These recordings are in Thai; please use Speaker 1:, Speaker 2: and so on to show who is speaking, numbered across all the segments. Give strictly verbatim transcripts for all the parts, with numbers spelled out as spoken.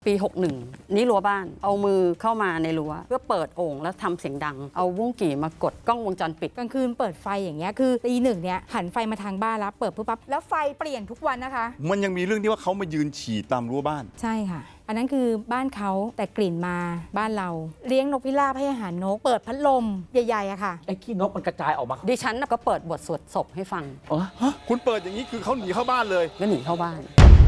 Speaker 1: ปีหกสิบเอ็ดนี่รั้วบ้านเอามือเข้ามาในรั้วเพื่อเปิดโอ่งแล้วทำเสียงดังเอาวุ้งกี่มากดกล้องวงจรปิด
Speaker 2: กลางคืนเปิดไฟอย่างเงี้ยคือตีหนึ่งเนี่ยหันไฟมาทางบ้านแล้วเปิดปุ๊บปั๊บแล้วไฟเปลี่ยนทุกวันนะคะ
Speaker 3: มันยังมีเรื่องที่ว่าเขามายืนฉี่ตามรั้วบ้าน
Speaker 2: ใช่ค่ะอันนั้นคือบ้านเขาแต่กลิ่นมาบ้านเราเลี้ยงนกพิราบให้อาหารนกเปิดพัดลมใหญ่ๆอะค่ะ
Speaker 4: ไอ้ขี้นกมันกระจายออกมา
Speaker 1: ดิฉันก็เปิดบทสวดศพให้ฟัง
Speaker 3: ฮะคุณเปิดอย่างนี้คือเขาหนีเข้าบ้านเลย
Speaker 1: ก็หนีเข้าบ้าน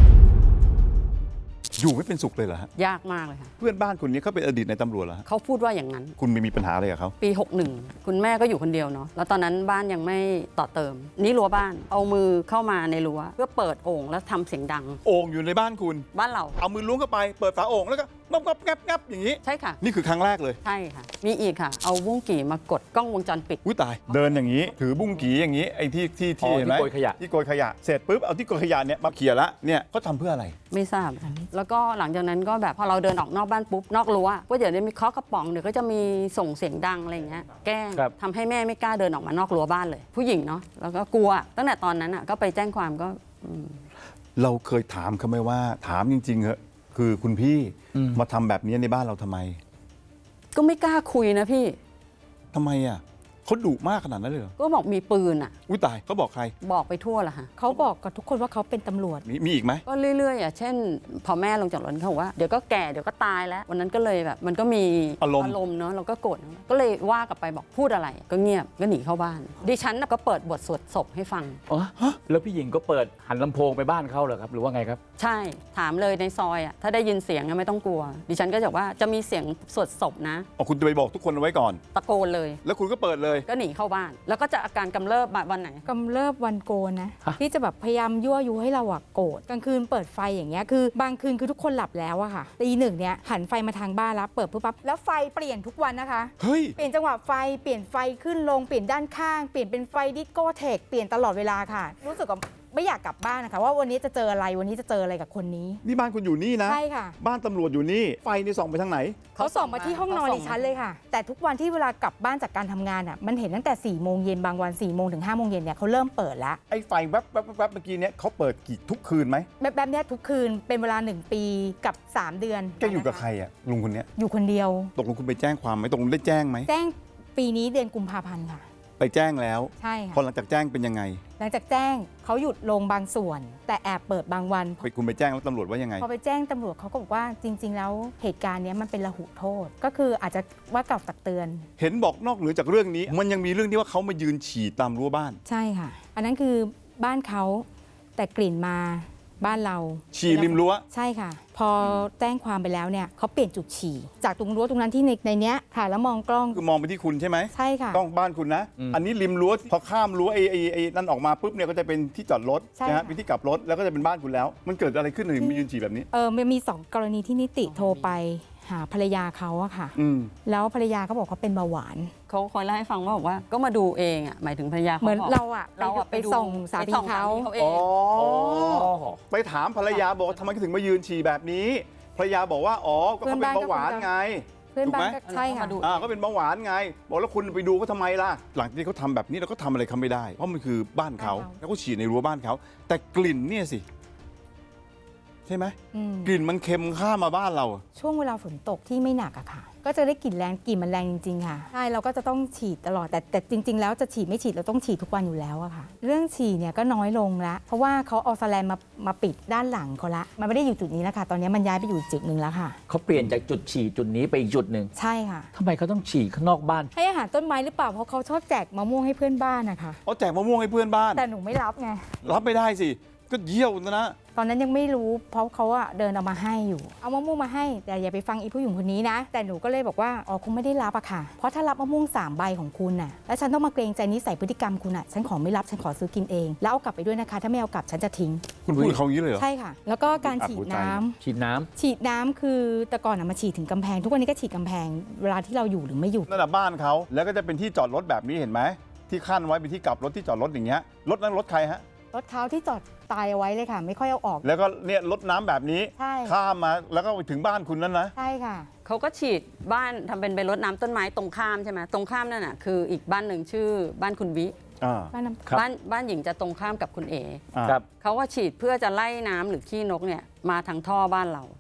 Speaker 3: อยู่ไม่เป็นสุขเลยเหรอฮะ
Speaker 1: ยากมากเลยค่ะ
Speaker 3: เพื่อนบ้านคนนี้เขาเป็นอดีตในตำรวจเหรอฮะ
Speaker 1: เขาพูดว่าอย่างนั้น
Speaker 3: คุณไม่มีปัญหาอะไรกับเขา
Speaker 1: ปีหกสิบเอ็ดคุณแม่ก็อยู่คนเดียวเนาะแล้วตอนนั้นบ้านยังไม่ต่อเติมนี่รั้วบ้านเอามือเข้ามาในรั้วเพื่อเปิดโอ่งแล้วทำเสียงดัง
Speaker 3: โอ่งอยู่ในบ้านคุณ
Speaker 1: บ้านเรา
Speaker 3: เอามือล้วงเข้าไปเปิดฝาโอ่งแล้วก็งับงับงับงับอย่างนี้
Speaker 1: ใช่ค่ะ
Speaker 3: นี่คือครั้งแรกเลย
Speaker 1: ใช่ค่ะมีอีกค่ะเอาวุ้งกี่มากดกล้องวงจรปิด
Speaker 3: อุ้ยตายเดินอย่างนี้ถือบุ้งกี่อย่างนี้ไอ้ที่ที่ที่เห็นไหม
Speaker 4: ที่โกยขยะ
Speaker 3: ที่โกยขยะเสร็จปุ๊บเอาที่โกยขยะเนี่ยมาเขี่ยละเนี่ยเขาทำเพื่ออะไร
Speaker 1: ไม่ทราบแล้วก็หลังจากนั้นก็แบบพอเราเดินออกนอกบ้านปุ๊บนอกรั้วก็เดี๋ยวมีเคาะกระป๋องเดี๋ยวก็จะมีส่งเสียงดังอะไรอย่างเงี้ยแกล้งทำให้แม่ไม่กล้าเดินออกมานอกรั้วบ้านเลยผู้หญิงเนาะแล้วก็กลัวตั้งแต่ตอนนั้นอ่ะก็ไปแจ้งความก็
Speaker 3: เราเคยถามเขาไหมว่าถามจริงๆเหอะคือคุณพี่มาทำแบบนี้ในบ้านเราทำไม
Speaker 1: ก็ไม่กล้าคุยนะพี่
Speaker 3: ทำไมอ่ะเขาดุมากขนาดนั้นเลยเหรอ
Speaker 1: ก็บอกมีปืนอ่ะ
Speaker 3: อุ้ยตายเขาบอกใคร
Speaker 1: บอกไปทั่วละฮะ
Speaker 2: เขาบอกกับทุกคนว่าเขาเป็นตำรวจ
Speaker 3: มีมีอีกไหม
Speaker 1: ก็เรื่อยๆอ่ะเช่นพอแม่ลงจากรถเขาบอกว่าเดี๋ยวก็แก่เดี๋ยวก็ตายแล้ววันนั้นก็เลยแบบมันก็มี
Speaker 3: อารมณ์
Speaker 1: อารมณ์เนาะเราก็โกรธก็เลยว่ากลับไปบอกพูดอะไรก็เงียบก็หนีเข้าบ้านดิฉันก็เปิดบทสวดศพให้ฟัง
Speaker 4: อ๋อแล้วพี่หญิงก็เปิดหันลำโพงไปบ้านเขาเหรอครับหรือว่าไงครับ
Speaker 1: ใช่ถามเลยในซอยอ่ะถ้าได้ยินเสียงไม่ต้องกลัวดิฉันก็จะว่าจะมีเสียงสวดศพนะ
Speaker 3: อ๋อคุณจะไปบอกทุกคนเอาไว้ก่อน
Speaker 1: ตะโกนเลย
Speaker 3: แล้วคุณก็เปิดเลย
Speaker 1: ก็หนีเข้าบ้านแล้วก็จะอาการกำเริบวันไหน
Speaker 2: กำเริบวันโกนนะที่จะแบบพยายามยั่วยุให้เราอะโกรธกลางคืนเปิดไฟอย่างเงี้ยคือบางคืนคือทุกคนหลับแล้วอะค่ะตีหนึ่งเนี่ยหันไฟมาทางบ้านแล้วเปิดปุ๊บปั๊บแล้วไฟเปลี่ยนทุกวันนะคะ
Speaker 3: เฮ้ย
Speaker 2: เปลี่ยนจังหวะไฟเปลี่ยนไฟขึ้นลงเปลี่ยนด้านข้างเปลี่ยนเป็นไฟดิสโก้เทคเปลี่ยนตลอดเวลาค่ะรู้สึกว่าไม่อยากกลับบ้านนะคะว่าวันนี้จะเจออะไรวันนี้จะเจออะไรกับคนนี้
Speaker 3: นี่บ้านคุณอยู่นี่นะ
Speaker 2: ใช่ค่ะ
Speaker 3: บ้านตำรวจอยู่นี่ไฟนี่ส่องไปทางไหน
Speaker 2: เขาส่องมาที่ห้องนอนดิฉันเลยค่ะแต่ทุกวันที่เวลากลับบ้านจากการทำงานอ่ะมันเห็นตั้งแต่สี่โมงเย็นบางวันสี่โมงถึงห้าโมงเย็นเนี่ยเขาเริ่มเปิดแล้ว
Speaker 3: ไอ้ไฟแวบแวบแวบเมื่อกี้เนี่ยเขาเปิดกี่ทุกคืนไหม
Speaker 2: แบบแบบนี้ทุกคืนเป็นเวลาหนึ่งปีกับสามเดือน
Speaker 3: แกอยู่กับใครอ่ะลุงคนนี้
Speaker 2: อยู่คนเดียว
Speaker 3: ตกลงคุณไปแจ้งความไหมตกลงได้แจ้งไหม
Speaker 2: แจ้งปีนี้เดือนกุมภาพันธ์ค่ะ
Speaker 3: ไปแจ้งแล้ว
Speaker 2: ใช่ค่ะ
Speaker 3: พอหลังจากแจ้งเป็นยังไง
Speaker 2: หลังจากแจ้งเขาหยุดลงบางส่วนแต่แอบเปิดบางวัน
Speaker 3: ไปคุณไปแจ้งแล้วตำรวจว่ายังไง
Speaker 2: พอไปแจ้งตำรวจเขาก็บอกว่าจริงๆแล้วเหตุการณ์นี้มันเป็นระหุโทษก็คืออาจจะว่ากล่าวตักเตือน
Speaker 3: เห็นบอกนอกเหนือจากเรื่องนี้มันยังมีเรื่องที่ว่าเขามายืนฉี่ตามรั้วบ้าน
Speaker 2: ใช่ค่ะอันนั้นคือบ้านเขาแต่กลิ่นมาบ้านเรา
Speaker 3: ฉี่ริมรั้ว
Speaker 2: ใช่ค่ะพอแจ้งความไปแล้วเนี่ยเขาเปลี่ยนจุดฉี่จากตรงรั้วตรงนั้นที่ในในเนี้ยค่ะแล้วมองกล้อง
Speaker 3: คือมองไปที่คุณใช่ไหม
Speaker 2: ใช่ค่ะ
Speaker 3: กล้องบ้านคุณนะอันนี้ริมรั้วพอข้ามรั้วไอ้ไอ้ไอ้นั่นออกมาปุ๊บเนี่ยก็จะเป็นที่จอดรถนะฮะเป็นที่กลับรถแล้วก็จะเป็นบ้านคุณแล้วมันเกิดอะไรขึ้นถึงมียืนฉี่แบบนี้
Speaker 2: เออมันมีสองกรณีที่นิติโทรไปหาภรรยาเขาอะค่ะแล้วภรรยาเขาบอกเขาเป็นเบาหวาน
Speaker 1: เขาคอยเล่าให้ฟังว่าบอกว่าก็มาดูเองอ่ะหมายถึงภรรยา
Speaker 2: เหมือนเราอะเราไปส่งสามีเขา
Speaker 3: อ๋อไปถามภรรยาบอกทำไมถึงมายืนฉี่แบบนี้ภรรยาบอกว่าอ๋อก็เขาเป็นเบาหวานไง
Speaker 2: เพื่อนบ้านก็ใช่ค่ะ
Speaker 3: อ่าก็เป็นเบาหวานไงบอกแล้วคุณไปดูเขาทำไมล่ะหลังจากที่เขาทำแบบนี้เราก็ทำอะไรเขาไม่ได้เพราะมันคือบ้านเขาแล้วก็ฉี่ในรั้วบ้านเขาแต่กลิ่นเนี่ยสิใช่ไหมกลิ่นมันเค็มข้ามมาบ้านเรา
Speaker 2: ช่วงเวลาฝนตกที่ไม่หนักอะค่ะก็จะได้กลิ่นแรงกลิ่นมันแรงจริงๆค่ะใช่เราก็จะต้องฉีดตลอดแต่แต่จริงๆแล้วจะฉีดไม่ฉีดเราต้องฉีดทุกวันอยู่แล้วอะค่ะเรื่องฉีดเนี่ยก็น้อยลงละเพราะว่าเขาเอาสแลนมามาปิดด้านหลังเขาละมันไม่ได้อยู่จุดนี้แล้วค่ะตอนนี้มันย้ายไปอยู่จุดหนึ่งแล้วค่ะ
Speaker 4: เขาเปลี่ยนจากจุดฉี่จุดนี้ไปอีกจุดหนึ่ง
Speaker 2: ใช่ค่ะ
Speaker 4: ทำไมเขาต้องฉี่ข้างนอกบ้าน
Speaker 2: ให้อาหารต้นไม้หรือเปล่าเพราะเขาชอบแจกมะม่วงให้เพื่อนบ้านนะคะ
Speaker 3: เขาแจกมะม่วงให้เพื่อนบ้าน
Speaker 2: แต่หนูไม่รับไง
Speaker 3: รับไม่ได้สิก็เยี่ยวนะ
Speaker 2: ตอนนั้นยังไม่รู้เพราะเขาอะเดินเอามาให้อยู่เอามะม่วงมาให้แต่อย่าไปฟังอีผู้หญิงคนนี้นะแต่หนูก็เลยบอกว่าอ๋อคงไม่ได้รับอะค่ะเพราะถ้ารับมะม่วงสามใบของคุณน่ะแล้วฉันต้องมาเกรงใจนิสัยพฤติกรรมคุณอะฉันขอไม่รับฉันขอซื้อกินเองแล้วเอากลับไปด้วยนะคะถ้าไม่เอากลับฉันจะทิ้ง
Speaker 3: คุณพูดเขาอย่างนี้เลยเหรอ
Speaker 2: ใช่ค่ะแล้วก็การฉีดน้ำ
Speaker 4: ฉีดน้ำ
Speaker 2: ฉีดน้ำคือแต่ก่อนอะมาฉีดถึงกำแพงทุกวันนี้ก็ฉีดกำแพงเวลาที่เราอยู่หรือไม่อยู่
Speaker 3: นั่นแหละบ้านเขาแล้วก็จะเป็นที่จอดรถแบบนี้เห็นไหมที่ขั้นไว้เป็นที่กลับรถที่จอดรถอย่างเงี้ยรถนั้นรถใครฮะ
Speaker 2: รถเขาที่จอดตายเอาไว้เลยค่ะไม่ค่อยเอาออก
Speaker 3: แล้วก็เนี่ยรถน้ำแบบนี้ข้ามมาแล้วก็ไปถึงบ้านคุณนั้นนะ
Speaker 2: ใช่ค่ะ
Speaker 1: เขาก็ฉีดบ้านทำเป็นเป็นรถน้ำต้นไม้ตรงข้ามใช่ไหมตรงข้ามนั่นน่ะคืออีกบ้านหนึ่งชื่อบ้านคุณวิบ้านบ้านบ้านหญิงจะตรงข้ามกับคุณเอเขาก็ฉีดเพื่อจะไล่น้ำหรือขี้นกเนี่ยมาทางท่อบ้านเรา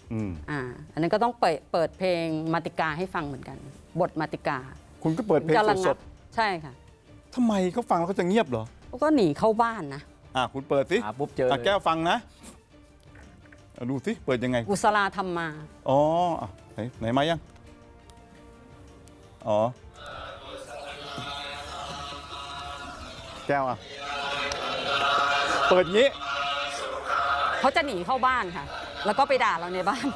Speaker 3: อืม
Speaker 1: อ่าอันนั้นก็ต้องเปิดเปิดเพลงมาติกาให้ฟังเหมือนกัน บทมาติกา
Speaker 3: คุณก็เปิดเพลง
Speaker 1: จะระ
Speaker 3: ส
Speaker 1: งั
Speaker 3: ด
Speaker 1: บใช่ค่ะ
Speaker 3: ๆทำไมเขาฟังแล้วเขาจะเงียบเหรอ
Speaker 1: ก็หนีเข้าบ้านนะ
Speaker 3: อ่ะคุณเปิดสิ
Speaker 4: หาปุ๊บเจอ
Speaker 3: อ่ะ
Speaker 4: เลย
Speaker 3: แก้วฟังนะอ่ะดูสิเปิดยังไง
Speaker 1: กุศลาธรรมมา
Speaker 3: อ๋ออ่ะไหนไหนมายังอ๋อแก้วอ่ะเปิดงี้
Speaker 1: เขาจะหนีเข้าบ้านค่ะ แล้วก็ไปด่าเราในบ้าน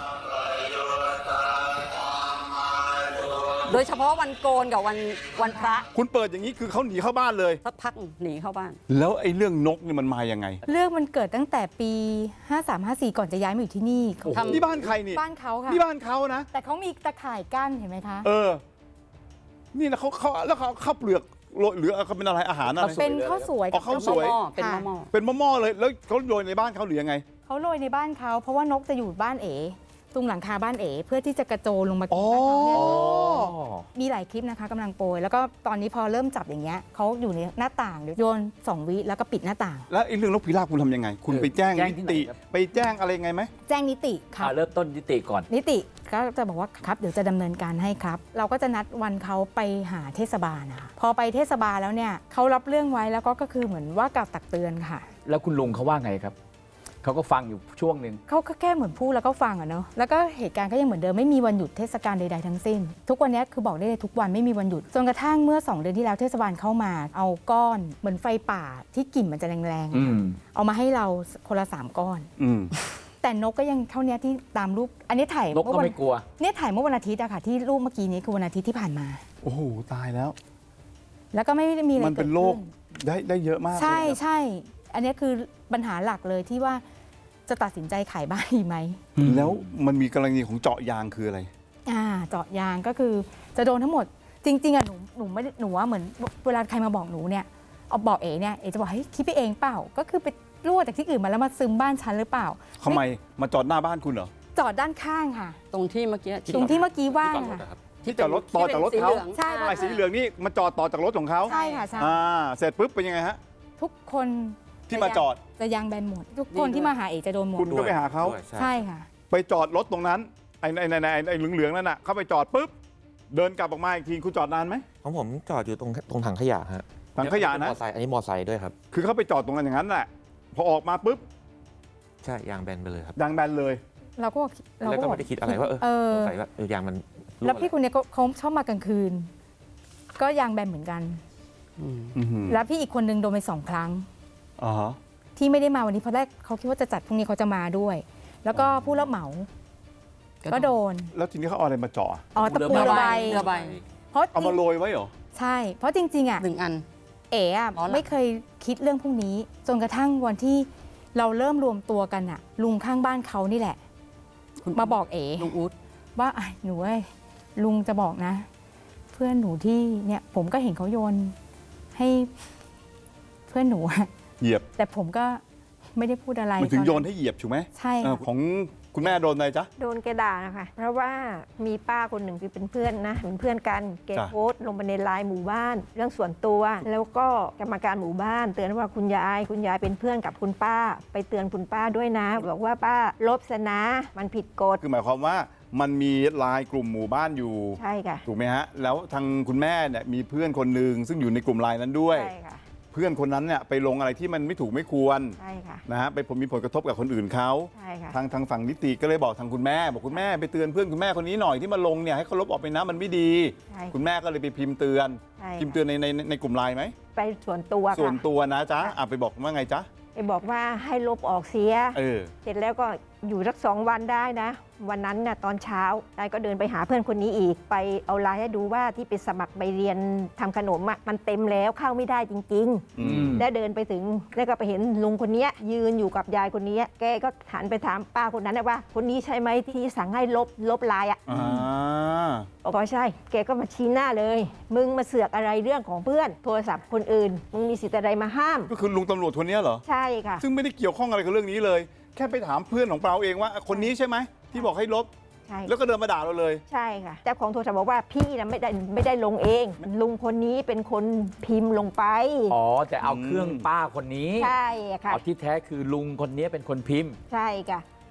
Speaker 1: โดยเฉพาะวันโกนกับวันวันพระ
Speaker 3: คุณเปิดอย่างนี้คือเขาหนีเข้าบ้านเลย
Speaker 1: สักพักหนีเข้าบ้าน
Speaker 3: แล้วไอ้เรื่องนกนี่มันมายังไง
Speaker 2: เรื่องมันเกิดตั้งแต่ปี ห้าสาม ห้าสี่ ก่อนจะย้ายมาอยู่ที่นี่
Speaker 3: โอ้โห
Speaker 1: ทำ
Speaker 3: นี่บ้านใครนี่
Speaker 2: บ้านเขาค่ะ
Speaker 3: นี่บ้านเขานะ
Speaker 2: แต่เขามีตะข่ายกั้นเห็นไหมคะ
Speaker 3: เออ นี่นะเขาเขาแล้วเขาข้าวเปลือกโรยหรือเขาเป็นอะไรอาหารอะไร
Speaker 2: เป็นข้าวสวย
Speaker 3: อ๋อข้าวสวย
Speaker 1: หม้อเป็นหม้อ
Speaker 3: เป็นหม้อๆเลยแล้วเขาโยนในบ้านเขาหรือยังไง
Speaker 2: เขาโรยในบ้านเขาเพราะว่านกจะอยู่บ้านเอ๋ตรงหลังคาบ้านเอ๋เพื่อที่จะกระโจนลงมากินบ้านเขาเนี่ย
Speaker 3: อ๋อ
Speaker 2: มีหลายคลิปนะคะกำลังโปรยแล้วก็ตอนนี้พอเริ่มจับอย่างเงี้ยเขาอยู่ในหน้าต่างเดี๋ยวโยนสองวิแล้วก็ปิดหน้าต่าง
Speaker 3: แล้วไอ้เรื่องนกพิราบคุณทำยังไง คุณไปแจ้ง
Speaker 4: แจ้ง
Speaker 3: นิ
Speaker 4: ที่ไหน
Speaker 3: ติ
Speaker 4: ครับ
Speaker 3: ไปแจ้งอะไรยังไงไหม
Speaker 2: แจ้งนิติครับ
Speaker 4: อ่าเริ่มต้นยุติก่อน
Speaker 2: นิติก็จะบอกว่าครับเดี๋ยวจะดำเนินการให้ครับ เราก็จะนัดวันเขาไปหาเทศบาลนะคะพอไปเทศบาลแล้วเนี่ยเขารับเรื่องไว้แล้วก็ก็คือเหมือนว่ากล่าวตักเตือนค่ะ
Speaker 4: แล้วคุณลุงเขาว่าไงครับเขาก็ฟังอยู่ช่วงหนึ่ง
Speaker 2: เขาก็แค่เหมือนพูดแล้วก็ฟังอะเนาะแล้วก็เหตุการณ์ก็ยังเหมือนเดิมไม่มีวันหยุดเทศกาลใดๆทั้งสิ้น ทุกวันนี้คือบอกได้เลยทุกวันไม่มีวันหยุดจนกระทั่งเมื่อสองเดือนที่แล้วเทศบาลเข้ามา เอาก้อนเหมือนไฟป่าที่กลิ่นมันจะแรงๆ
Speaker 4: อื
Speaker 2: อะค่ะ
Speaker 4: ม
Speaker 2: เอามาให้เราคนละสามก้อน
Speaker 3: อืม
Speaker 2: แต่นกก็ยังเท่านี้ที่ตามรูปอันนี้ถ่าย
Speaker 4: นกก็
Speaker 2: เมื่อวั
Speaker 4: ไม่กลัว
Speaker 2: เนี่ยถ่ายเมื่อวันอาทิตย์อะค่ะที่รูปเมื่อกี้นี้คือวันอาทิตย์ที่ผ่านมา
Speaker 3: โอ้โหตายแล้ว
Speaker 2: แล้วก็ไม่ได้มีอะไร
Speaker 3: มัน
Speaker 2: เกิ
Speaker 3: เป็
Speaker 2: ด
Speaker 3: นโร
Speaker 2: ขึ้
Speaker 3: คน ได้ได้เยอะมาก
Speaker 2: ใช่
Speaker 3: เลยนะ
Speaker 2: ใช่ อันนี้คือปัญหาหลักเลยที่ว่าจะตัดสินใจขายบ้านดีไหม
Speaker 3: แล้วมันมีกรณีของเจาะยางคืออะไร
Speaker 2: อ่าเจาะยางก็คือจะโดนทั้งหมด จริง ๆอ่ะหนูหนูไม่ได้หนูว่าเหมือนเวลาใครมาบอกหนูเนี่ยเอาบอกเอ๋เนี่ยเอ๋จะบอกเฮ้ยคิดไปเองเปล่า ก็คือไปรั่วจากที่อื่นมาแล้วมาซึมบ้านฉันหรือเปล่า
Speaker 3: ทำไมมาจอดหน้าบ้านคุณเหรอ
Speaker 2: จอดด้านข้างค่ะ
Speaker 1: ตรงที่เมื่อกี้
Speaker 2: ตรงที่เมื่อกี้ว่างค่ะ
Speaker 3: ที่จอดรถต่อจากรถเขา
Speaker 1: ที่ป็นสีหลือง
Speaker 2: ใช่
Speaker 3: ไอ้สีเหลืองนี่มาจอดต่อจากรถของเขา
Speaker 2: ใช่ค่ะใช่
Speaker 3: อ่าเสร็จปุ๊บเป็นยังไงฮะ
Speaker 2: ทุกคน
Speaker 3: ที่มาจอด
Speaker 2: จะยางแบนหมด ทุกคนที่มาหาเอ๋จะโดนหมด
Speaker 3: คุณก็ไปหาเขา
Speaker 2: ใช่ค่ะ
Speaker 3: ไปจอดรถตรงนั้นไอ้ไอ้ไอ้ไอ้ไอ้เหลืองๆนั่นน่ะเข้าไปจอดปุ๊บเดินกลับออกมาอีกทีคุณจอดนานไหม
Speaker 5: ของผมจอดอยู่ตรงตรงถังขยะฮะ
Speaker 3: ถังขยะนะ
Speaker 5: มอไซค์อันนี้มอไซค์ด้วยครับ
Speaker 3: คือเขาไปจอดตรงนั้นอย่างนั้นแหละพอออกมาปุ๊บ
Speaker 5: ใช่ยางแบนไปเลยครับ
Speaker 3: ยางแบนเลย
Speaker 2: เราก็เรา
Speaker 5: แล้ว
Speaker 2: ก็
Speaker 5: ก็
Speaker 2: บอก
Speaker 5: ไม่ได้คิดอะไรว่าเออ
Speaker 2: เออ
Speaker 5: สงสัยว่าเออยางมันรั่
Speaker 2: แล้วพี่คนเนี้ยก็เขาชอบมากลางคืน ก็ยางแบนเหมือนกัน
Speaker 1: อืม
Speaker 3: อื้อหือ
Speaker 2: แล้วพี่อีกคนนึงโดนไปสองครั้ง
Speaker 3: อ่าฮะ
Speaker 2: ที่ไม่ได้มาวันนี้เพราะแรกเขาคิดว่าจะจัดพรุ่งนี้เขาจะมาด้วย แล้วก็ผู้รับเหมา ก็โดน
Speaker 3: แล้วทีนี้เขาเอาอะไรมาเจาะ
Speaker 2: อ๋อตะปู
Speaker 1: เรือ
Speaker 2: ระ
Speaker 1: ใบ
Speaker 2: บาย
Speaker 1: เรือใบ
Speaker 2: เพราะ
Speaker 3: เอามาโรยไว้เหรอ
Speaker 2: ใช่ เพราะจริง ๆอ่ะ
Speaker 1: หนึ่งอัน
Speaker 2: เอ๋อะ
Speaker 1: อ๋อเหรอ
Speaker 2: ไม่เคยคิดเรื่องพวกนี้ จนกระทั่งวันที่เราเริ่มรวมตัวกันอ่ะ ลุงข้างบ้านเขานี่แหละ มาบอกเอ๋
Speaker 1: ลุงอู๊ด
Speaker 2: ว่าอ่ะหนูเอ้ยลุงจะบอกนะ เพื่อนหนูที่เนี่ยผมก็เห็นเขาโยนให้เพื่อนหนูอะ
Speaker 3: เหยียบ
Speaker 2: แต่ผมก็ไม่ได้พูดอะไร
Speaker 3: มันถึง
Speaker 2: ต
Speaker 3: โยนให้เหยียบถูกไหม
Speaker 2: ใช่
Speaker 3: เออ
Speaker 2: ค่ะ
Speaker 3: ของคุณแม่โดนอะไรจ๊ะ
Speaker 6: โดนแกด่านะคะ เพราะว่ามีป้าคนหนึ่งที่เป็นเพื่อนนะเป็นเพื่อนกันแก
Speaker 3: จ้ะ
Speaker 6: โพสต์ลงไปในไลน์หมู่บ้าน เรื่องส่วนตัว แล้วก็กรรมการหมู่บ้าน เตือนว่าคุณยาย คุณยายเป็นเพื่อนกับคุณป้า ไปเตือนคุณป้าด้วยนะ บอกว่าป้าลบซะนะ มันผิดกฎ
Speaker 3: คือหมายความว่ามันมีไลายกลุ่มหมู่บ้านอยู่
Speaker 6: ใช่ค่ะ
Speaker 3: ถูกไหมฮะ แล้วทางคุณแม่เนี่ยมีเพื่อนคนหนึ่งซึ่งอยู่ในกลุ่มไลน์นั้นด้วย
Speaker 6: ใช่ค่ะ
Speaker 3: เพื่อนคนนั้นเนี่ยไปลงอะไรที่มันไม่ถูกไม่ควร
Speaker 6: ใช่ค่ะ
Speaker 3: นะฮะไปผลมีผลกระทบกับคนอื่นเขา
Speaker 6: ใช่ค่ะ
Speaker 3: ทางทางฝั่งนิติก็เลยบอกทางคุณแม่ บอกคุณแม่ไปเตือนเพื่อนคุณแม่คนนี้หน่อยที่มาลงเนี่ยให้เขาลบออกไปนะมันไม่ดี
Speaker 6: ใช่
Speaker 3: คุณแม่ก็เลยไปพิมพ์เตือน
Speaker 6: ใช่
Speaker 3: พิมพ์เตือนในในในกลุ่มไลน์ไหม
Speaker 6: ไปส่วนตัว
Speaker 3: ส่วน
Speaker 6: ค่ะ
Speaker 3: ตัวนะจ๊ะ
Speaker 6: ค่ะ
Speaker 3: อ่ะไปบอกว่าไงจ๊ะ
Speaker 6: ไปบอกว่าให้ลบออกเสีย
Speaker 3: เออ
Speaker 6: เสร็จแล้วก็อยู่สักสองวันได้นะ วันนั้นน่ะตอนเช้ายายก็เดินไปหาเพื่อนคนนี้อีก ไปเอาไลน์ให้ดูว่าที่ไปสมัครไปเรียนทำขนมอ่ะมันเต็มแล้วเข้าไม่ได้จริง
Speaker 3: อืม
Speaker 6: ๆ แล้วเดินไปถึงแล้วก็ไปเห็นลุงคนเนี้ยยืนอยู่กับยายคนนี้ แกก็หันไปถามป้าคนนั้นนะว่า คนนี้ใช่ไหมที่สั่งให้ลบลบไลน์อ่ะ
Speaker 3: อ่า
Speaker 6: บอกว่าใช่ แกก็มาชี้หน้าเลย มึงมาเสือกอะไรเรื่องของเพื่อน โทรศัพท์คนอื่น มึงมีสิทธิ์อะไรมาห้าม
Speaker 3: ก็คือลุงตำรวจคนนี้เหรอ
Speaker 6: ใช่ค่ะ
Speaker 3: ซึ่งไม่ได้เกี่ยวข้องอะไรกับเรื่องนี้เลย แค่ไปถามเพื่อนของเราเองว่าคนนี้ใช่ไหมที่บอกให้ลบ
Speaker 6: ใช่
Speaker 3: แล้วก็เดินมาด่าเราเลย
Speaker 6: ใช่ค่ะเจ้าของโทรศัพท์บอกว่าพี่นะไม่ได้ไม่ได้ลงเอง ลุงคนนี้เป็นคนพิมพ์ลงไป
Speaker 4: อ๋อแต่เอาเครื่องป้าคนนี้
Speaker 6: ใช่ค่ะ
Speaker 4: เอาที่แท้คือลุงคนนี้เป็นคนพิมพ์
Speaker 6: ใช่ค่ะ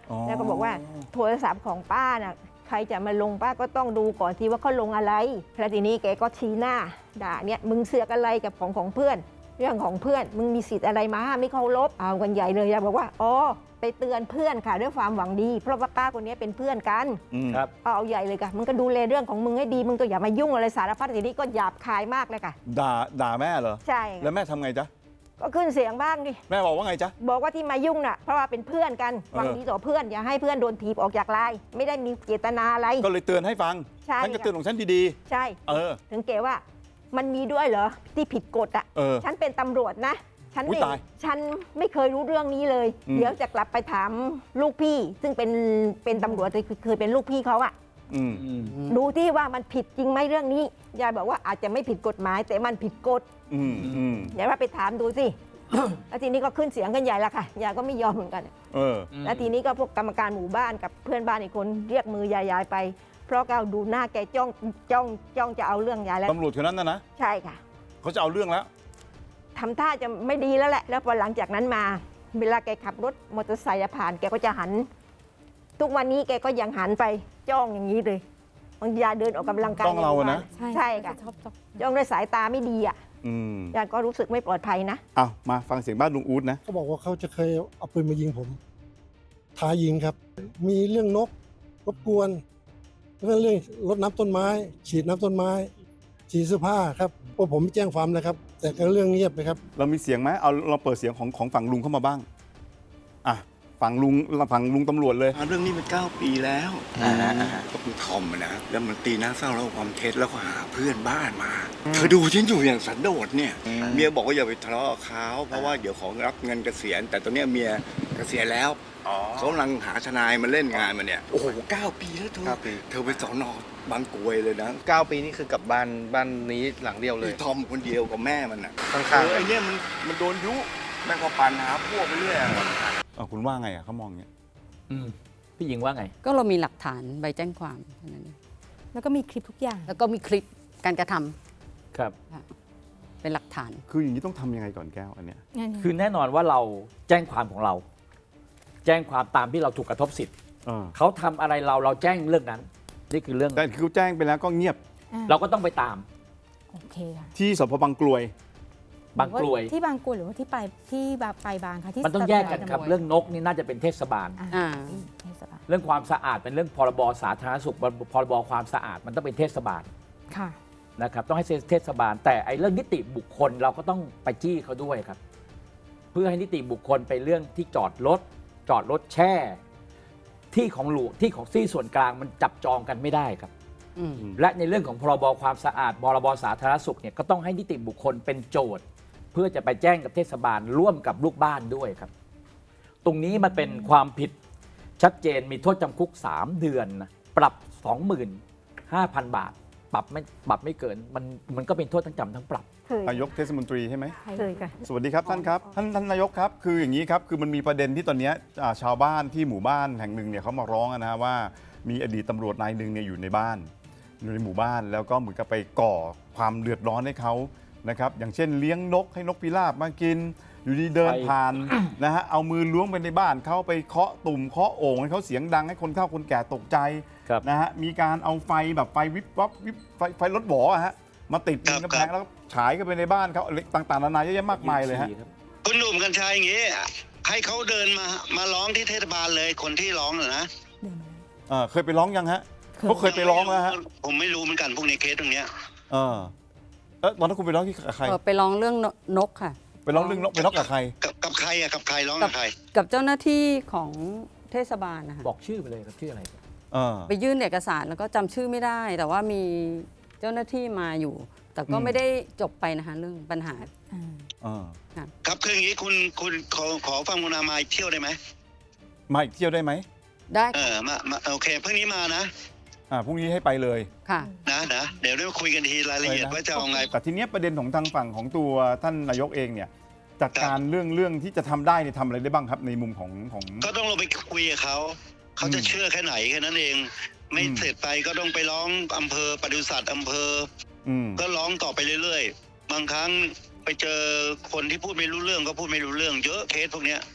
Speaker 3: อ๋อ
Speaker 6: แล้วก็บอกว่าโทรศัพท์ของป้าน่ะใครจะมาลงป้าก็ต้องดูก่อนทีว่าเขาลงอะไรแล้วทีนี้แกก็ชี้หน้าด่าเนี่ยมึงเสือกอะไรกับของของเพื่อน เรื่องของเพื่อนมึงมีสิทธิ์อะไรมาห้ามไม่เคารพเอากันใหญ่เลยยายบอกว่าอ๋อไปเตือนเพื่อนค่ะด้วยความหวังดี เพราะว่าป้าคนนี้เป็นเพื่อนกัน
Speaker 3: อืม
Speaker 4: ครับ
Speaker 6: เอาใหญ่เลยค่ะมึงก็ดูแลเรื่องของมึงให้ดีมึงก็อย่ามายุ่งอะไรสารพัดทีนี้ก็หยาบคายมากเลยค่ะ
Speaker 3: ด่าด่าแม่เหรอ
Speaker 6: ใช่
Speaker 3: แล้วแม่ทำไงจ๊ะ
Speaker 6: ก็ขึ้นเสียงบ้างดิ
Speaker 3: แม่บอกว่าไงจ๊ะ
Speaker 6: บอกว่าที่มายุ่งน่ะเพราะว่าเป็นเพื่อนกันหวังดีต่อเพื่อนอย่าให้เพื่อนโดนถีบออกจากไลน์ไม่ได้มีเจตนาอะไร
Speaker 3: ก็เลยเตือนให้ฟัง
Speaker 6: ใช่
Speaker 3: ฉันก็เตือนของฉันดี
Speaker 6: ใช่
Speaker 3: ๆ เออ
Speaker 6: ถึงเกว่ามันมีด้วยเหรอที่ผิดกฎอ่ะ
Speaker 3: เออ
Speaker 6: ฉันเป็นตำรวจนะฉัน
Speaker 3: อุ๊ย
Speaker 6: ไม่
Speaker 3: ตาย
Speaker 6: ฉันไม่เคยรู้เรื่องนี้เลย
Speaker 3: อืม
Speaker 6: เดี๋ยวจะกลับไปถามลูกพี่ ซึ่งเป็นเป็นตำรวจเคยเคยเป็นลูกพี่เขาอะ
Speaker 3: อืม
Speaker 4: อืม
Speaker 6: ดูที่ว่ามันผิดจริงไหมเรื่องนี้ยายบอกว่าอาจจะไม่ผิดกฎหมาย แต่มันผิดกฎ
Speaker 3: อืมอืม
Speaker 6: ยายว่าไปถามดูสิ แล้วทีนี้ก็ขึ้นเสียงกันใหญ่ละค่ะยายก็ไม่ยอมเหมือนกัน
Speaker 3: เออ
Speaker 6: แล้วทีนี้ก็พวกกรรมการหมู่บ้านกับเพื่อนบ้านอีกคนเรียกมือยายยายไป เพราะก็ดูหน้าแกจ้องจ้องจ้องจะเอาเรื่องยายแล้ว
Speaker 3: ตำรวจคนนั้นนะนะ
Speaker 6: ใช่ค่ะ
Speaker 3: เขาจะเอาเรื่องแล้ว
Speaker 6: ทำท่าจะไม่ดีแล้วแหละ แล้วพอหลังจากนั้นมา เวลาแกขับรถมอเตอร์ไซค์ผ่าน แกก็จะหัน ทุกวันนี้แกก็ยังหันไปจ้องอย่างนี้เลยบางทียายเดินออกกำลังกาย
Speaker 3: จ้องเราอะนะ
Speaker 2: ใช่
Speaker 6: ใช่ค่ะ
Speaker 2: ชอบชอบ
Speaker 6: จ้องด้วยสายตาไม่ดีอ่ะ
Speaker 3: อืม
Speaker 6: ยายก็รู้สึกไม่ปลอดภัยนะ
Speaker 3: เอามาฟังเสียงบ้านลุงอู๊ดนะ
Speaker 7: เขาบอกว่าเขาจะเคยเอาปืนมายิงผม ท้ายิงครับ มีเรื่องนกรบกวนแล้วก็เรื่องรดน้ำต้นไม้ ฉีดน้ำต้นไม้ ฉีดเสื้อผ้าครับพวกผมไม่แจ้งความนะครับ แต่ก็เรื่องเงียบไปครับ
Speaker 3: เรามีเสียงไหมเอาเราเปิดเสียงของของฝั่งลุงเข้ามาบ้าง อ่ะ ฝั่งลุงฝั่งลุงตำรวจเลย
Speaker 8: อ่าเรื่องนี้มันเก้าปีแล้วก็คุณทอมอะนะแล้วมันตีหน้าเศร้าแล้วเอาความเท็จแล้วก็หาเพื่อนบ้านมาเธอดูฉันอยู่อย่างสันโดษเนี่ยเมียบอกว่าอย่าไปทะเลาะกับเขาเพราะว่าเดี๋ยวของรับเงินเกษียณ แต่ตอนเนี้ยเมียเกษียณแล้วเขากำลังหาทนายมาเล่นงานมาเนี่ยโอ้โหเก้าปีแล้วเธอ
Speaker 9: เก้าปี
Speaker 8: เธอไปสอนอบางกรวยเลยนะ
Speaker 9: เก้าปีนี่คือกลับบ้านบ้านนี้หลังเดียวเลย
Speaker 8: ไอ้ทอมคนเดียวกับแม่มันอ่ะ
Speaker 9: ข้างๆ
Speaker 8: เออไอ้เนี่ยมันมันโดนยุแม่งก็ปันหาพวกไปเรื่อยอะ
Speaker 3: อ่ะคุณว่าไงอ่ะเขามองอย่างเงี้ย
Speaker 4: อืมพี่หญิงว่าไง
Speaker 1: ก็เรามีหลักฐานใบแจ้งความแค่นั้นเอง
Speaker 2: แล้วก็มีคลิปทุกอย่าง
Speaker 1: แล้วก็มีคลิปการกระทำ
Speaker 4: ครับ
Speaker 1: เป็นหลักฐาน
Speaker 3: คืออย่างนี้ต้องทำยังไงก่อนแก้วอันเนี้ย
Speaker 2: งั้น
Speaker 4: คือแน่นอนว่าเราแจ้งความของเรา แจ้งความตามที่เราถูกกระทบสิทธิ์
Speaker 3: เออ
Speaker 4: เขาทำอะไรเราเราแจ้งเรื่องนั้น นี่คือเรื่อง
Speaker 3: แต่คือแจ้งไปแล้วก็เงียบ
Speaker 2: อ่ะ
Speaker 4: เราก็ต้องไปตาม
Speaker 2: โอเคค่ะ
Speaker 3: ที่สพบางกลวย
Speaker 4: บางกลวย
Speaker 2: ที่บางกลวยหรือว่าที่ไปที่ไปบางค่ะที่
Speaker 4: มันต้องแยกกันครับ
Speaker 2: ตำวจ
Speaker 4: เรื่องนกนี่น่าจะเป็นเทศบาล
Speaker 2: อ่ะ
Speaker 1: อ่า
Speaker 2: เทศบาล
Speaker 4: เรื่องความสะอาดเป็นเรื่องพรบสาธารณสุขพรบความสะอาดมันต้องเป็นเทศบาล
Speaker 2: ค่ะ
Speaker 4: นะครับต้องให้เทศบาล แต่ไอ้เรื่องนิติบุคคลเราก็ต้องไปจี้เขาด้วยครับ เพื่อให้นิติบุคคลไปเรื่องที่จอดรถจอดรถแช่ ที่ของหลวงที่ของที่ส่วนกลางมันจับจองกันไม่ได้ครับ
Speaker 1: อืม
Speaker 4: และในเรื่องของพรบความสะอาดพรบสาธารณสุขเนี่ยก็ต้องให้นิติบุคคลเป็นโจทย์ เพื่อจะไปแจ้งกับเทศบาลร่วมกับลูกบ้านด้วยครับ ตรงนี้มันเป็นความผิดชัดเจนมีโทษจำคุกสามเดือนนะปรับ สองหมื่นห้าพัน บาท ปรับไม่ปรับไม่เกินมันมันก็เป็นโทษทั้งจำทั้งปรับ
Speaker 6: เคย
Speaker 3: นายกเทศมนตรีใช่ไหม
Speaker 6: เคยค่ะ
Speaker 3: สวัสดีครับท่านครับท่านท่านนายกครับคืออย่างนี้ครับคือมันมีประเด็นที่ตอนเนี้ยอ่าชาวบ้านที่หมู่บ้านแห่งหนึ่งเนี่ยเขามาร้องอะนะว่ามีอดีตตำรวจนายหนึ่งเนี่ยอยู่ในบ้านอยู่ในหมู่บ้าน แล้วก็เหมือนกับไปก่อความเดือดร้อนให้เขานะครับอย่างเช่นเลี้ยงนกให้นกพิราบมากิน อยู่ดีเดิน
Speaker 4: ไป
Speaker 3: ผ่าน นะฮะเอามือล้วงไปในบ้านเขาไปเคาะตุ่มเคาะโอ่งให้เขาเสียงดังให้คนเฒ่าคนแก่ตกใจ
Speaker 4: ครับ
Speaker 3: นะฮะมีการเอาไฟแบบไฟวิบวับวิบไฟไฟรถหวออะฮะมาติดบนกำแพงแล้วก็ฉายเข้าไปในบ้านเขาอะไรต่างๆนานาเยอะแยะมากมายเลยฮะ
Speaker 10: คุณหนุ่มกัญชัยอย่างงี้ให้เขาเดินมามาร้องที่เทศบาลเลยคนที่ร้องน่ะนะ
Speaker 2: เดินมาเลย
Speaker 3: เออเคยไปร้องยังฮะเขาเคยไปร้องแล้วฮะ
Speaker 10: ผมไม่รู้เหมือนกันพวกในเคสตรงเนี้ย
Speaker 3: เออเออตอนนั้นคุณไปร้องที่กับใคร
Speaker 1: เออไปร้องเรื่องนกค่ะ
Speaker 3: ไปร้องเรื่องนกไปร้องกับใคร
Speaker 10: กับกับใครอะกับใครร้องกับใคร
Speaker 1: กับเจ้าหน้าที่ของเทศบาลนะคะ
Speaker 4: บอกชื่อไปเลยครับชื่ออะไร
Speaker 3: เออ
Speaker 1: ไปยื่นเอกสารแล้วก็จำชื่อไม่ได้ แต่ว่ามีเจ้าหน้าที่มาอยู่ แต่ก็
Speaker 3: อืม
Speaker 1: ไม่ได้จบไปนะคะเรื่องปัญหา
Speaker 2: อ่า
Speaker 3: เออ
Speaker 10: ครับคืออย่างงี้คุณคุณขอขอฟังคุณอามาอีกเที่ยวได้ไหม
Speaker 3: มาอีกเที่ยวได้ไหม
Speaker 1: ได้
Speaker 10: เออมามาโอเคเพิ่งนี้มานะ
Speaker 3: อ่าพรุ่งนี้ให้ไปเลย
Speaker 1: ค่ะ
Speaker 10: นะนะเดี๋ยวได้คุยกันทีรายละเอียดว่าจะเอาไง
Speaker 3: แต่ทีเนี้ยประเด็นของทางฝั่งของตัวท่านนายกเองเนี่ยจัดการเรื่องเรื่องที่จะทำได้เนี่ยทำอะไรได้บ้างครับในมุมของของ
Speaker 10: ก็ต้องลงไปคุยกับเขาเขาจะ
Speaker 3: อืม
Speaker 10: เชื่อแค่ไหนแค่นั้นเอง ไม่
Speaker 3: อืม
Speaker 10: เสร็จไปก็ต้องไปร้องอำเภอปศุสัตว์อำเภอ
Speaker 3: อืม
Speaker 10: ก็ร้องต่อไปเรื่อยๆ บางครั้งไปเจอคนที่พูดไม่รู้เรื่องก็พูดไม่รู้เรื่องเยอะเคสพวกเนี้ย
Speaker 4: แต่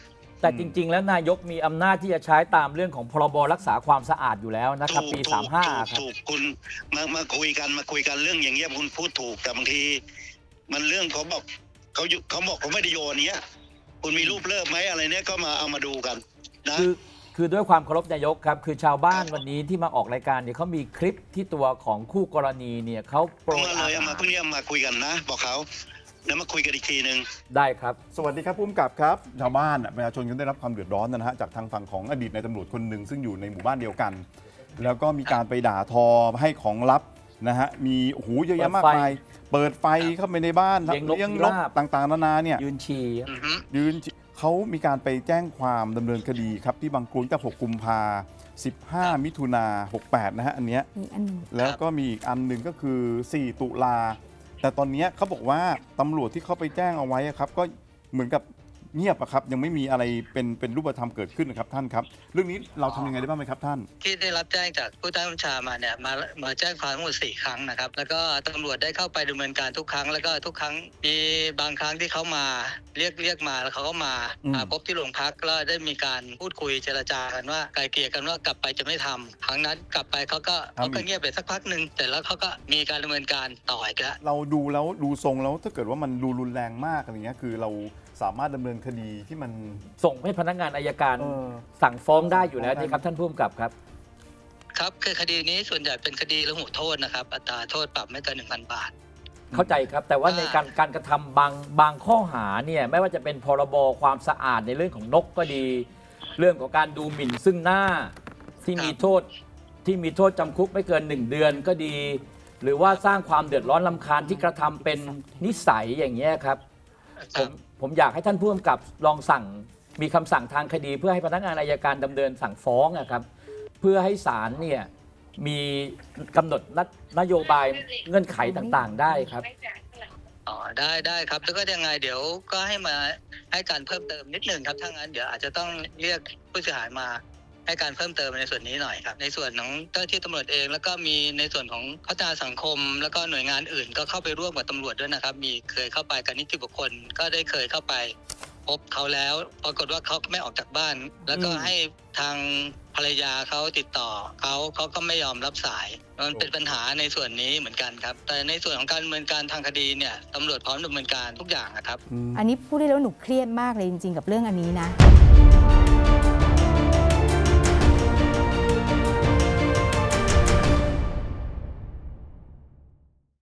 Speaker 4: แต่จริง ๆ แล้วนายกมีอำนาจที่จะใช้ตามเรื่องของพรบรักษาความสะอาดอยู่แล้วนะครับ ปี
Speaker 10: ถูก
Speaker 4: สามห้า
Speaker 10: ถูก
Speaker 4: ครับ
Speaker 10: ถูกคุณมามาคุยกันมาคุยกันเรื่องอย่างเงี้ยคุณพูดถูกแต่บางที มันเรื่องเขาบอกเขาอยู่เขาบอกเขาไม่ได้โยนเนี้ยคุณมีรูปเลิกไหมอะไรเนี้ยก็มาเอามาดูกันนะ
Speaker 4: คือคือด้วยความเคารพนายกครับคือชาวบ้านวันนี้ที่มาออกรายการเนี่ยเขามีคลิปที่ตัวของคู่กรณีเนี่ยเขาโปร
Speaker 10: เอา
Speaker 4: ย
Speaker 10: มาเลย
Speaker 4: อา
Speaker 10: เอา
Speaker 4: หา
Speaker 10: มาร พรุ่งนี้เอามาคุยกันนะ บอกเขาแล้วมาคุยกันอีกทีหนึ่ง
Speaker 4: ได้ครับ
Speaker 3: สวัสดีครับผู้กำกับครับชาวบ้านอะประชาชนก็ได้รับความเดือดร้อนนะฮะจากทางฝั่งของอดีตนายตำรวจคนหนึ่งซึ่งอยู่ในหมู่บ้านเดียวกัน แล้วก็มีการไปด่าทอให้ของลับนะฮะมีโอ้โหเยอะแยะมากมายเปิดไฟเข้าไปในบ้าน
Speaker 4: เลี้ยงนก
Speaker 3: เลี้ยง
Speaker 4: พิ
Speaker 3: น
Speaker 4: ราก บ
Speaker 3: ต่างๆนานาเนี่ย
Speaker 4: ยืนฉี่
Speaker 10: อือฮึ
Speaker 3: ยืนเขามีการไปแจ้งความดำเนินคดีครับที่บางกรวยตั้งแต่หกกุมภาสิบห้ามิถุนาหกแปดนะฮะอันเนี้ย
Speaker 2: มีอันหนึง
Speaker 3: แล้วก็มีอีกอันหนึ่งก็คือสี่ตุลาแต่ตอนเนี้ยเขาบอกว่าตำรวจที่เขาไปแจ้งเอาไว้อะครับก็เหมือนกับเงียบอะครับยังไม่มีอะไรเป็นเป็นรูปธรรมเกิดขึ้นนะครับท่านครับเรื่องนี้เราทำยังไงได้บ้างไหมครับท่าน
Speaker 11: ที่ได้รับแจ้งจากผู้ใต้บัญชามาเนี่ยมามาแจ้งความทั้งหมดสี่ครั้งนะครับแล้วก็ตำรวจได้เข้าไปดำเนินการทุกครั้งแล้วก็ทุกครั้งมีบางครั้งที่เขามาเรียกเรียกมาแล้วเขาก็มา
Speaker 3: อืม
Speaker 11: มาพบที่โรงพักแล้วได้มีการพูดคุยเจรจากันว่าไกลเกลี่ยกันว่ากลับไปจะไม่ทำครั้งนั้นกลับไปเขาก็เขาก็เงียบไปสักพักหนึ่งแต่แล้วเขาก็มีการดำเนินการต่ออีกแล้ว
Speaker 3: เราดูแล้วดูทรงแล้วถ้าเกิดว่ามันดูรุนแรงมากอะไรเงี้ยคือเราสามารถดำเนินคดีที่มัน
Speaker 4: ส่งให้พนักงานอายการ
Speaker 3: เออ
Speaker 4: สั่งฟ้องได้อยู่แล้วนี่ครับท่านผู้กำกับครับ
Speaker 11: ครับคือคดีนี้ส่วนใหญ่เป็นคดีละหูโทษนะครับอัตราโทษปรับไม่เกินหนึ่งพันบาท
Speaker 4: เข้าใจครับ แต่ว่าในการการกระทำบางบางข้อหาเนี่ยไม่ว่าจะเป็นพรบความสะอาดในเรื่องของนกก็ดี เรื่องของการดูหมิ่นซึ่งหน้าที่มีโทษที่มีโทษจำคุกไม่เกินหนึ่งเดือนก็ดี หรือว่าสร้างความเดือดร้อนรำคาญที่กระทำเป็นนิสัยอย่างเงี้ยครับผมผมอยากให้ท่านผู้กำกับลองสั่งมีคำสั่งทางคดี เพื่อให้พนักงานอัยการดำเนินสั่งฟ้องนะครับเพื่อให้ศาลเนี่ยมีกำหนดนโยบายเงื่อนไขต่างๆ ได้ครับ
Speaker 11: อ๋อได้ได้ครับแล้วก็ยังไงเดี๋ยวก็ให้มาให้การเพิ่มเติมนิดหนึ่งครับถ้างั้นเดี๋ยวอาจจะต้องเรียกผู้เสียหายมาให้การเพิ่มเติมในส่วนนี้หน่อยครับในส่วนของเจ้าหน้าที่ตำรวจเอง แล้วก็มีในส่วนของพัฒนาสังคม แล้วก็หน่วยงานอื่นก็เข้าไปร่วมกับตำรวจด้วยนะครับมีเคยเข้าไปกับนิติบุคคลก็ได้เคยเข้าไปพบเขาแล้วปรากฏว่าเขาไม่ออกจากบ้าน แล้วก็ให้ทางภรรยาเขาติดต่อเขาเขาก็ไม่ยอมรับสายมันเป็นปัญหาในส่วนนี้เหมือนกันครับแต่ในส่วนของการดำเนินการทางคดีเนี่ยตำรวจพร้อมดำเนินการทุกอย่างนะครับ
Speaker 2: อันนี้พูดได้แล้ววาหนูเครียดมากเลยจริงๆกับเรื่องอันนี้นะ